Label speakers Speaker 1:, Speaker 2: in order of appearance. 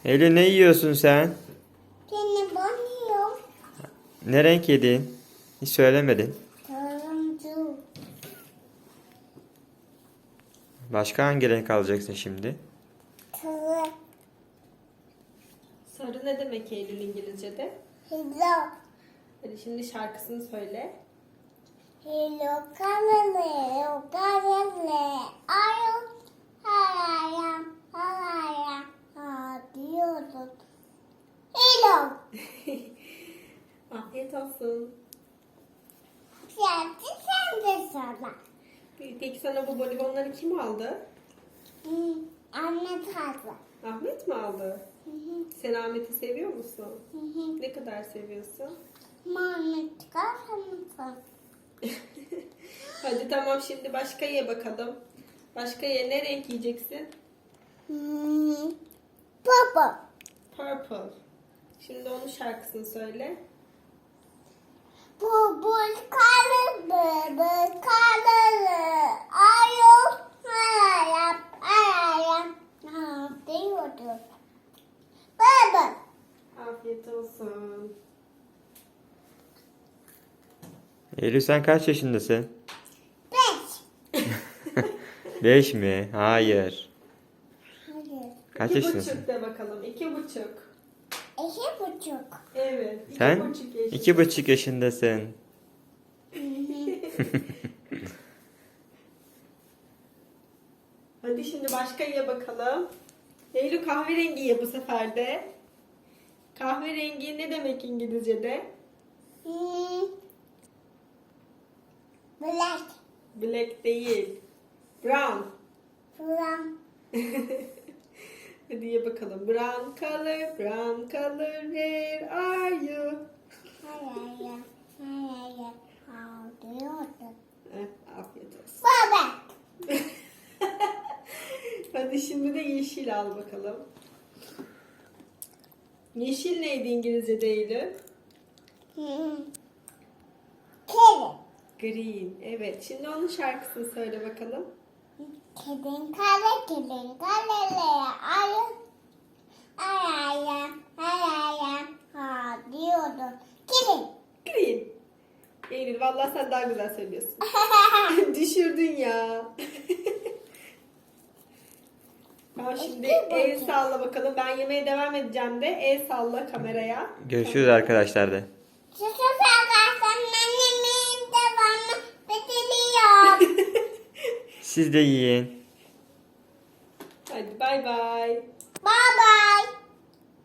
Speaker 1: Eylül ne yiyorsun sen?
Speaker 2: Seni banıyorum.
Speaker 1: Ne renk yedin? Hiç söylemedin.
Speaker 2: Turuncu.
Speaker 1: Başka hangi renk alacaksın şimdi?
Speaker 2: Sarı.
Speaker 3: Sarı ne demek Eylül İngilizce'de?
Speaker 2: Hello.
Speaker 3: Hadi şimdi şarkısını söyle.
Speaker 2: Hello colorless. Colorless. Ayol. Hayayam. Hayayam. Ha diyordun. Hello.
Speaker 3: Afiyet olsun.
Speaker 2: Sen de sana.
Speaker 3: Peki sana bu bonibonları kim aldı?
Speaker 2: Anne tatlı.
Speaker 3: Ahmet mi aldı? Sen Ahmet'i seviyor musun? Ne kadar seviyorsun?
Speaker 2: Mami çıkarsa mısın?
Speaker 3: Hadi tamam, şimdi başka ye bakalım. Başka ye, ne renk yiyeceksin?
Speaker 2: Baba.
Speaker 3: Purple. Şimdi onun şarkısını söyle.
Speaker 2: Bu karlı ayol ayağım diyordu. Baba.
Speaker 3: Afiyet olsun.
Speaker 1: Eylül sen kaç yaşındasın?
Speaker 2: 5.
Speaker 1: 5 mi? Hayır.
Speaker 2: Hayır.
Speaker 1: Kaç
Speaker 3: 2,5
Speaker 1: yaşındasın?
Speaker 3: de bakalım. 2,5.
Speaker 2: 2,5.
Speaker 3: Evet.
Speaker 1: Sen
Speaker 3: 2,5 yaşında.
Speaker 1: 2,5 yaşındasın.
Speaker 3: Hadi şimdi başka ye bakalım. Eylül kahverengi ye bu sefer de. Kahverengi ne demek İngilizce'de?
Speaker 2: Black.
Speaker 3: Black değil. Brown.
Speaker 2: From
Speaker 3: Hadi ye bakalım. Brown color, brown color, where are you?
Speaker 2: hayır. Diyordu.
Speaker 3: Afiyet olsun.
Speaker 2: Baba.
Speaker 3: Hadi şimdi de yeşil al bakalım. Yeşil neydi İngilizce'de Eylül?
Speaker 2: Kedi.
Speaker 3: Green. Evet. Şimdi onun şarkısını söyle bakalım.
Speaker 2: Kedin karele ayağım ha diyordu. Kedin.
Speaker 3: Green. Eylül vallahi sen daha güzel söylüyorsun. Düşürdün ya. Tamam, şimdi el salla bakalım. Ben yemeye devam edeceğim de el salla kameraya.
Speaker 1: Görüşürüz arkadaşlar de.
Speaker 2: Şu sefer annemin devamı bitiriyor.
Speaker 1: Siz de yiyin.
Speaker 3: Hadi bay bay.